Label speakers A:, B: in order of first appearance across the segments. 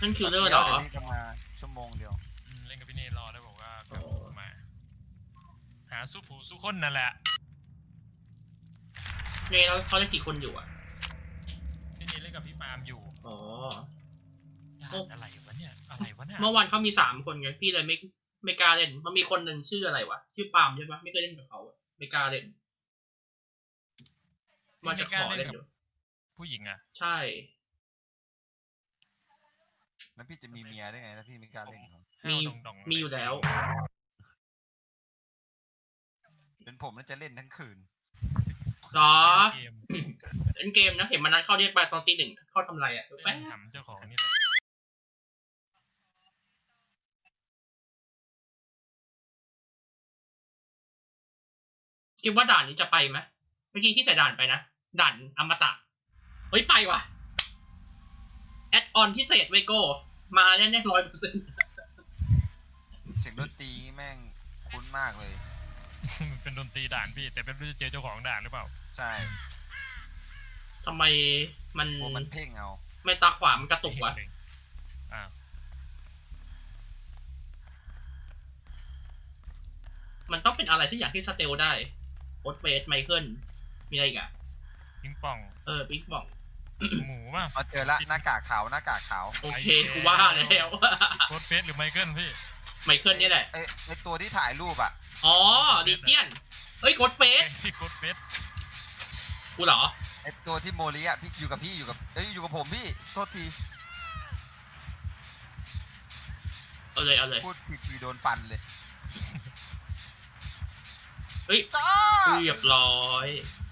A: นั่นคิลเลอร์เหรอ
B: พี่จะมาชั่วโมงเดียว
C: เล่นกับพี่เนรอได้บอกว่ามาหาสู้ผู้สู้คนนั่นแหละ
A: เนแล้วเขาเล่นกี่คนอยู่อ่ะ
C: พี่เนเล่นกับพี่ปาล์มอยู่
A: อ๋อ
C: อะไรวะเนี่ยอะไรวะเนี่ย
A: เมื่อวานเขามี3 คนไงพี่เลยไม่กล้าเล่นมันมีคนหนึ่งชื่ออะไรวะชื่อปาล์มใช่ปะไม่เคยเล่นกับเขาไม่กล้าเล่นมันจะขอเล่นอยู่
C: ผู้หญิงอ่ะ
A: ใช่
B: แล้วพี่จะมีเมียได้ไงถ้าพี่ไม่กล้าเล่นเขา
A: มีอยู่แล้ว
B: เป็นผมน่าจะเล่นทั้งคืน
A: หรอเล่นเกมนะเห็นมันนั้นเข้าเรียกไปตอนตี 1เข้าทำไรอ่ะ
C: แป๊บถามเจ้าของนี่แหละ
A: คิดว่าด่านนี้จะไปไหมเมื่อกี้พี่ใส่ด่านไปนะด่านอมตะเฮ้ยไปว่ะแอดออนพิเศษไวโก้มาแน่ๆ100%
B: เสียงดนตรีแม่งคุ้นมากเลย
C: เป็นดนตรีด่านพี่แต่เป็นไม่เจอเจ้าของด่านหรือเปล่า
B: ใช่
A: ทำไม
B: มันเพ่งเอา
A: ไม่ตาขวามันกระตุกวะมันต้องเป็นอะไรที่อย่างที่สเตลได้โคดเฟสไมเคิลมีอะไรอีกอะ
C: ปิงปอง
A: ปิงปอง
C: หมูป่ะ
B: เจอละหน้ากากขาว
A: โอเคกูว่าแล้ว
C: โคดเฟสหรือไมเคิลพี่
A: ไมเคิลนี่แหละ
B: ไอตัวที่ถ่ายรูปอ่ะ
A: อ๋อดิเจียนเฮ้ยโคดเฟสกูเหรอ
B: ไอตัวที่โมริอ่ะพี่อยู่กับผมพี่โทษที
A: เอาเลย
B: พูดผิดทีโดนฟันเลย
A: เฮ้ยเรียบร้อย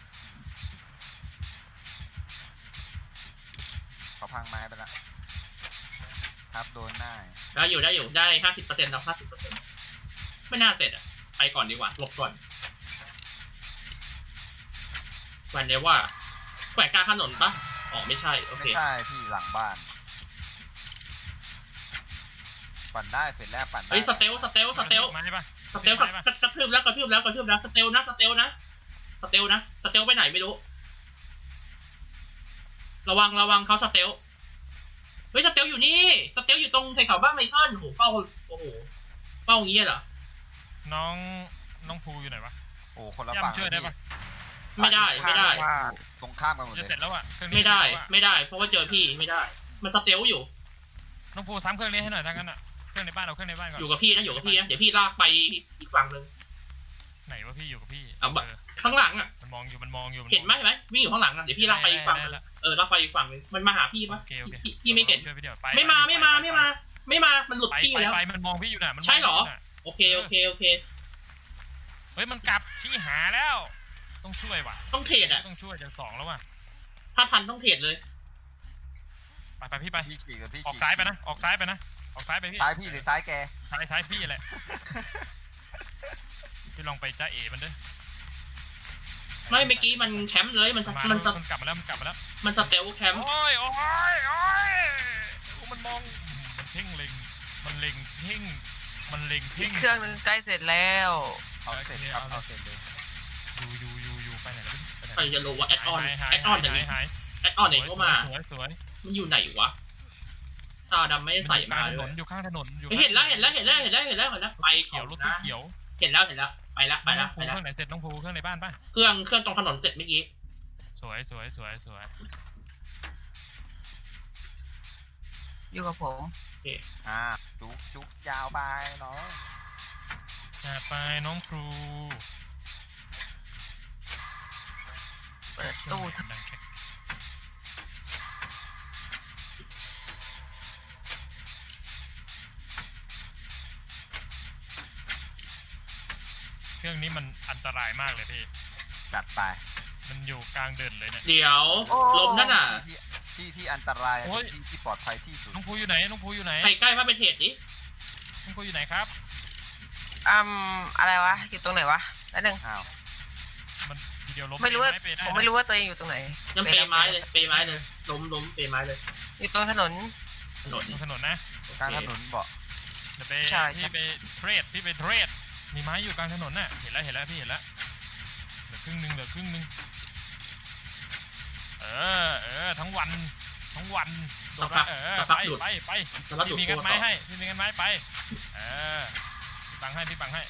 B: เขาพังไม้ไปละครับโดนหน้า
A: ได้อยู่ได้ 50% แล้ว 50% ไม่น่าเสร็จอ่ะไปก่อนดีกว่าหลบก่อนวันนี้ว่าแขวงกลางถนนปะอ๋อไม่ใช่โอเค
B: ไม่ใช่พี่หลังบ้านปั่นได้เสร็จแล้วปั่นได้
A: เฮ้ยสเตลกระทืบแล้วสเตลนะสเตลไปไหนไม่รู้ระวังเขาสเตลเฮ้ยสเตลอยู่นี่สเตลอยู่ตรงไทเขาบ้างไมเคิลโอ้โหเฝ้าอย่างงี้เหรอ
C: น้องภูอยู่ไหนวะ
B: โอ้คนละฝั่ง
C: ช่วยได้ปะ
A: ไม่ได้
B: ตรงข้ามกันหมดเลย
C: เสร็จแล้วอ่ะ
A: ไม่ได้เพราะว่าเจอพี่ไม่ได้มันสเตลอยู่
C: น้องภูซ้ำเครื่องนี้ให้หน่อยทั้งนั้นอ่ะเครื่องในบ้านเอาเครื่องในบ้านก่อน
A: อยู่กับพี่นะเดี๋ยวพี่ลากไปอีกฝั่งนึง
C: ไหนว่าพี่อยู่กับพี่
A: ข้างหลังอ่ะ
C: มันมองอยู่
A: เห็นไหมวิ่งอยู่ข้างหลังอ่ะเดี๋ยวพี่ลากไปอีกฝั่งนึงลากไปอีกฝั่งนึงมันมาหาพี่ปะพี่ไม่เห็นไม่มามันหลุดพี่แล้ว
C: ไปมันมองพี่อยู่น่ะ
A: ใช่หรอโอเค
C: เฮ้ยมันกลับที่หาแล้วต้องช่วยว่ะ
A: ต้องเทรดอ่ะ
C: ต้องช่วยจาก2แล้วว่ะ
A: ถ้าทันต้องเทรดเลย
C: ไปพี่ไป
B: พี่
C: ออกซ้ายไปนะออกซ้ายไปพี่
B: ซ้ายพี่หรือซ้ายแก
C: ซ้ายพี่แหละพี่ลองไปจ้าเอ๋มันด้วย
A: ไม่เมื่อกี้มันแชมป์เลยมันก
C: ลับมาแล้ว
A: มันสเตลแคมป์
C: โอ้ยมันมองมันเพ่งเล็งมันเล็งเพ่ง
D: เครื่องนึงใกล้เสร็จแล้ว
B: เอาเสร็จครับเอาเสร็จเลย
C: อยู่ไปไหนแล้ว
A: ไปจะรู้ว่าแอดออนอย่างนี้แอดออนไหนก็มา
C: สวย
A: มันอยู่ไหนวะตาดำไม่ได้ใส่มาเลย
C: อยู่ข้างถนน
A: เห็นแล้วไป
C: เขียวรถตู้เขียว
A: เห็นแล้วไปละ
C: เครื่องไหนเสร็จน้องภูเครื่องในบ้านป่ะ
A: เครื่องตรงถนนเสร็จเมื่อกี้
C: สวย
D: อยู่กับผม
B: จุกยาวไปน้อง
C: ไปน้องครู
D: เปิดตู้
C: เครื่องนี้มันอันตรายมากเลยพี่
B: จัดไป
C: มันอยู่กลางเดินเลยเนี่ย
A: เดี๋ยวลมนั่นน่ะ
B: ที่อันตรายที่ปลอดภัยที่สุด
C: น้องภูอยู่ไหน
A: ใครใกล้มาเป็นเหตุดิ
C: น้องภูอยู่ไหนครับ
D: อะไรวะอยู่ตรงไหนวะแล้วนึง
C: มันทีเดียวล้ม
D: ไม่รู้ว่าผมไม่รู้ว่าตัวเองอยู่ตรงไหน
A: ยังเปไม้เลยล้มเปไม้เลย
D: อยู่ตรงถนน
C: นะ
B: กลางถนนบอก
C: พี่ไปเทรดมีไม้อยู่กลางถนนน่ะเห็นแล้วพี่เห็นแล้วเหลือครึ่งนึงทั้งวันทั้งวัน
A: สักพัก
C: ไป
A: หลุด
C: ไป
A: สักพักหลุ
C: พี่
A: ด
C: มี
A: โก
C: กันไม้
A: ต่อ
C: ให้พี่มีกันไม้ไปพี่บังให้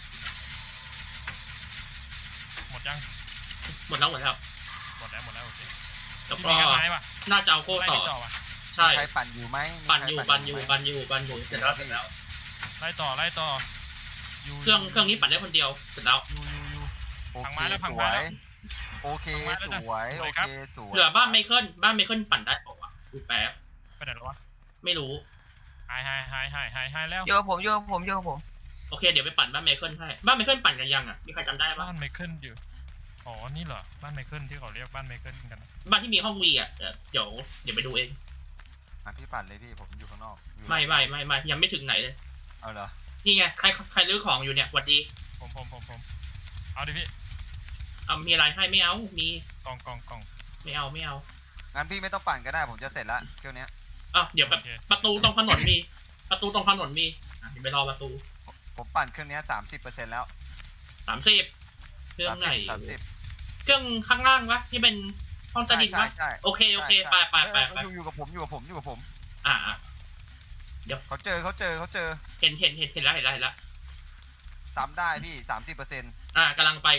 C: หมดยัง
A: หมดแล้ว
C: หมดแล้วโอเค
A: แล้ว
C: พี่
A: ก็
C: มีกันไม้ปะ
A: น่าจะเอาโก
C: ไล่
A: ต่อ
C: พี่ต่อวะ
A: ใช่
B: มีใครปั่นอยู่ไหมมี
A: ปั่น
B: ใคร
A: อยู่
B: ไหม
A: ปั่นอยู่เสร็จแล้ว
C: ไล่ต่ออยู่
A: เครื่องนี้ปั่นได้คนเดียวเสร็จแล้ว
C: อยู่
B: โอ
C: พัง
B: เค
C: ไม้แล้ว
B: ส
C: พัง
B: ว
C: ไม้
B: ย
C: แล้ว
B: โอเค
C: พัง
B: ส
C: ไม้
B: วย
C: แล้วนะ
B: โอ
C: ครั
B: เค
C: บ
B: สวย
A: เหลือบ้านไมเคิลปั่นได้เปล่าวะดูแป๊บ
C: ไปไหนแล้ววะ
A: ไม่รู้
C: หายแล้ว
D: โยกับผมโยกับผม
A: โอเคเดี๋ยวไปปั่นบ้านไมเคิลให้บ้านไมเคิลปั่นกันยังอ่ะมีใครจำได้ปะ
C: บ้านไมเคิลอยู่อ๋อนี่เหรอบ้านไมเคิลที่เขาเรียกบ้านไมเคิลกัน
A: บ้านที่มีห้องวีอ่ะเดี๋ยวไปดูเอง
B: อ่ะพี่ปั่นเลยพี่ผมอยู่ข้างนอกอยู่
A: ไม่ยังไม่ถึงไหนเลย
B: เอาเหรอ
A: นี่ไงใครรื้อของอยู่เนี่ยหวัดดี
C: ผมเอาดิพี่
A: เอามีอะไรให้ไม่เอามี
C: กล่อง
A: ไม่เอา
B: งั้นพี่ไม่ต้องปั่นก็ได้ผมจะเสร็จละเครื่องเนี้ย
A: อ่ะเดี๋ยวแบบ
C: โอเค
A: ประตูตรงถนนมีอ่ะเดี๋ยวไปรอประตู
B: ผมปั่นเครื่องเนี้ย30%แล้ว
A: 30เครื่องไหน
B: 30
A: เครื่องข้างล่างวะที่เป็นห้องใต้ดินวะ
B: ใช่
A: โอเคไป
B: อยู่กับผม
A: อ่า
B: เขาเจอ
A: เห็นแล้ว
B: ซ้ำได้พี่30%
A: อ่ากำลังไป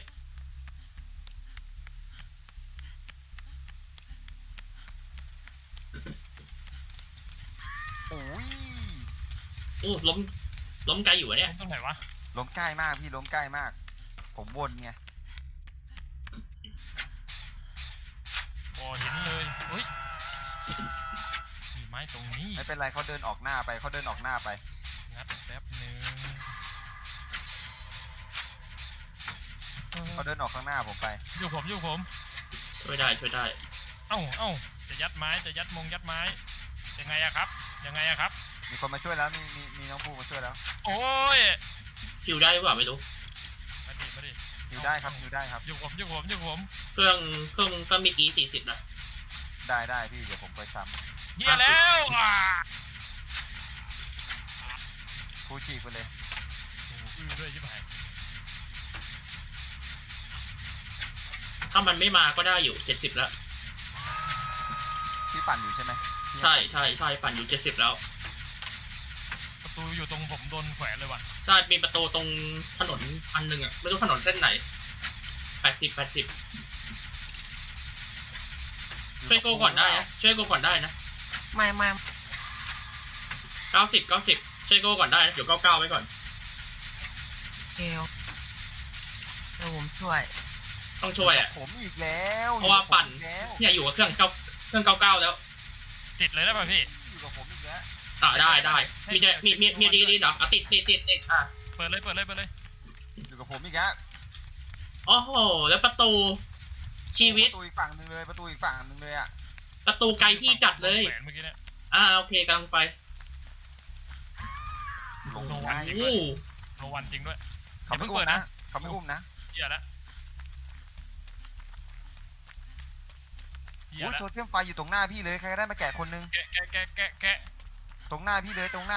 B: โอ้ย
A: อู้ล้มไกลอยู่อะเนี่ย
C: ตรงไหนวะ
B: ล้มใกล้มากพี่ล้มใกล้มาก ผมวนไง
C: อ๋อเห็นเลยเฮ้ยมีไม้ตรงนี้
B: ไม่เป็นไรเขาเดินออกหน้าไป
C: งัดแป๊บนึง
B: เขาเดินออกข้างหน้าผมไป
C: อยู่ผม
A: ช่วยได้
C: เอ้าจะยัดไม้ยังไงอะครับ
B: มีคนมาช่วยแล้วมีน้องภูมาช่วยแล้ว
C: โอ้ย
A: คิวได้หรือเปล่าไม่รู้
C: มาดิ
B: อยู่ได้ครับ
C: อยู่ผม
A: เครื่องก็มีกี่40นะ
B: ได้พี่เดี๋ยวผมไปซ้
C: เฮียแล้ว
B: ำครูฉีกไปเลย
C: โอ้โหด้วยชิบหาย
A: ถ้ามันไม่มาก็ได้อยู่70แล้ว
B: พี่ปั่นอยู่ใช่ไหม
A: ใช่ปั่นอยู่70แล้ว
C: ประตูอยู่ตรงผมโดนแขวนเลยว่ะ
A: ใช่มีประตูตรงถนนอันหนึ่งอ่ะไม่รู้ถนนเส้นไหน80ช่วยโกก่อนได้นะช่วยโกก่อนได้นะ
D: ไม่
A: 90ช่วยโกก่อนได้นะเดี๋ยว99ไว้ก่อน
D: เกลเดี๋ยวผมช่วย
A: ต้องช่วยอ่ะ
B: ผมอีกแล้ว
A: เพราะว่าปั่น
B: อยู่กับผมอีกแล้ว
A: เนี่ยอยู่กับเครื่อง99แล้ว
C: ติดเลยได้ป่ะพี่
B: อยู่กับผมอีกแล้ว
A: ได้มีดีเหรออ่ะติดอ่ะ
C: เปิดเลย
B: อยู่กับผมอีกแล้ว
A: โอ้โหแล้วประตูชีวิต
B: ประตูอีกฝั่งหนึ่งเลยอ่ะ
A: ประตูไกลพี่จัดเลย
C: แขวนเมื่อกี้เนี่ย
A: โอเคกำลังไป
B: ลง
C: โน
B: ได้
C: วันจริง
A: โอ้
C: ด้วยโนวันจริงด้วย
B: เขาไม่อุ้มนะเขาไม่อุ้มนะ
C: เฮียละ
B: อุ้ยโทรเทียมไฟอยู่ตรงหน้าพี่เลยใครก็ได้มาแกะคนนึง
C: แกะ
B: ตรงหน้าพี่เลย
C: ต้อง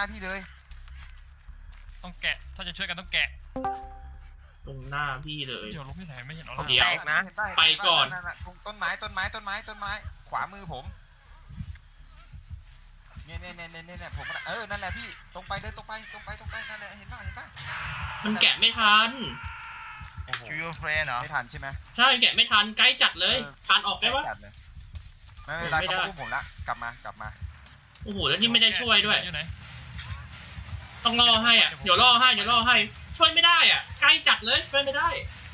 C: แกะถ้าจะช่วยกันต้องแกะ
A: ตรงหน้าพี่เลย
C: เดี๋ยวลงที่ไหนไม่เห็นเอา
A: เดี๋ยว
D: แตกนะ
A: ไปก่อน
B: ตรงต้นไม้ขวามือผมเนี่ยผมนั่นแหละพี่ตรงไปนั่นแหละเห็นป่ะ
A: มันแกะไม่ทัน
B: โอ้โห
E: คิวเฟรนเหรอ
B: ไม่ทันใช่ไหม
A: ใช่แกะไม่ทันใกล้จัดเลยทานออกได้ปะ
B: จัดเลยไม่เป็นไร
A: ไม่ได้
B: เขาอุ้มผมละกลับมา
A: โอ้โหแล้วนี่ไม่ได้ช่วยด้วย
C: อยู่ไหน
A: ต้องล่อให้อ่ะเดี๋ยวล่อให้ช่วยไม่ได้อ่ะใกล้จัดเลยช่วยไม่ได้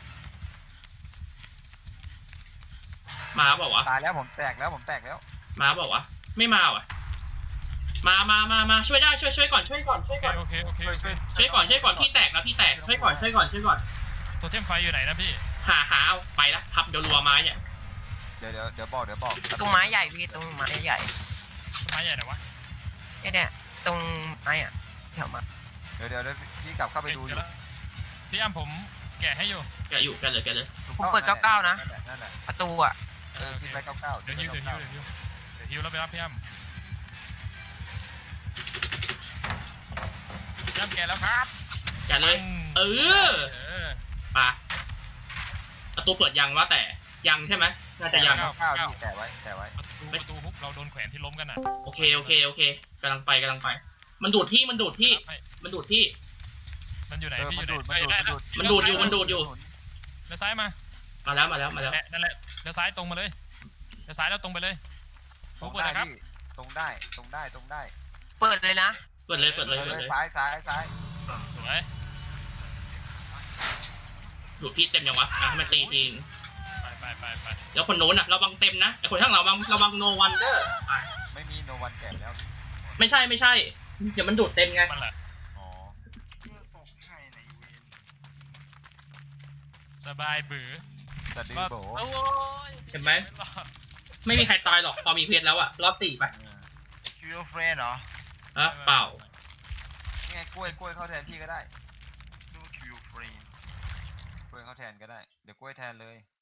A: มาบอกว่าวะ
B: ตายแล้วผมแตกแล้ว
A: มาบอกว่าวะไม่มาว่ะมาช่วยได้ช่วยก่อน
C: โอเค
A: ช่วยก่อนพี่แตกช่วยก่อน
C: ตัวเทมไฟอยู่ไหนนะพี่
A: หาเอาไปละพับเดี๋ยวรัวไม้เนี่ย
B: เดี๋ยวบอก
D: ตรงไม้ใหญ่พี่ตรงไม้ใหญ่
C: ไม้ใหญ่ไหนวะ
D: เนี่ยตรงไม้อะแถวมา
B: เดี๋ยวพี่กลับเข้าไปดูอยู่
C: พี่อ้ำผมแกะให้อยู่
A: แกะเลย
D: ผมเปิด99นะ
B: นั่นแหละ
D: ประตูอะ
B: ทิ้งไป99
C: เดี๋ยวฮิวแล้วไปรับพี่อ้ำพี่อ้ำแกะแล้วครับ
A: แกะเลยมาประตูเปิดยังวะแต่ยังใช่ไหมน่าจะยัง
B: 99พี่แต่ไว้
C: ประตูประตูฮุกเราโดนแขวนที่ล้มกันอ่ะ
A: โอเคกำลังไปมันดูดที่มันดูดที่
C: มันอยู่ไหน
B: เออ
C: พี่
B: มัน
C: อยู่
B: ดูด
C: ไหน
A: มันดูดอยู่
C: เลี้ยวซ้ายมา
A: มาแล้ว
C: นั่นแหละเลี้ยวซ้ายตรงมาเลยเลี้ยวซ้ายแล้วตรงไปเลย
B: ตรง
C: เปิด
B: ได้
C: เลยครับ
B: พี่ตรงได้ตรงได้
D: เปิดเลยนะ
A: เปิดเลย
B: เออซ้าย
C: สวย
A: ดูดพี่เต็มยังวะให้มันตีที
C: ไป
A: แล้วคนโน้นระวังเต็มนะไอคนข้างหลังระวังโนวันเดอร์
B: ไม่มีโนวันแก่แล้ว
A: ไม่ใช่เดี๋ยวมันดูดเต็มไง
C: มันแหละ
B: อ๋อ
C: สบายบือ
B: สะดือโบ
C: โอ้ย
A: เห็นไหม ไม่มีใครตายหรอกพอมีเพชรแล้วอะรอบ4ไป
E: คิวเฟรนเหรอ
A: เปล่า
B: นี่ไงกล้วยเข้าแทนพี่ก็ได้
E: ดูคิวเฟรน
B: กล้วยเข้าแทนก็ได้เดี๋ยวกล้วยแทนเลย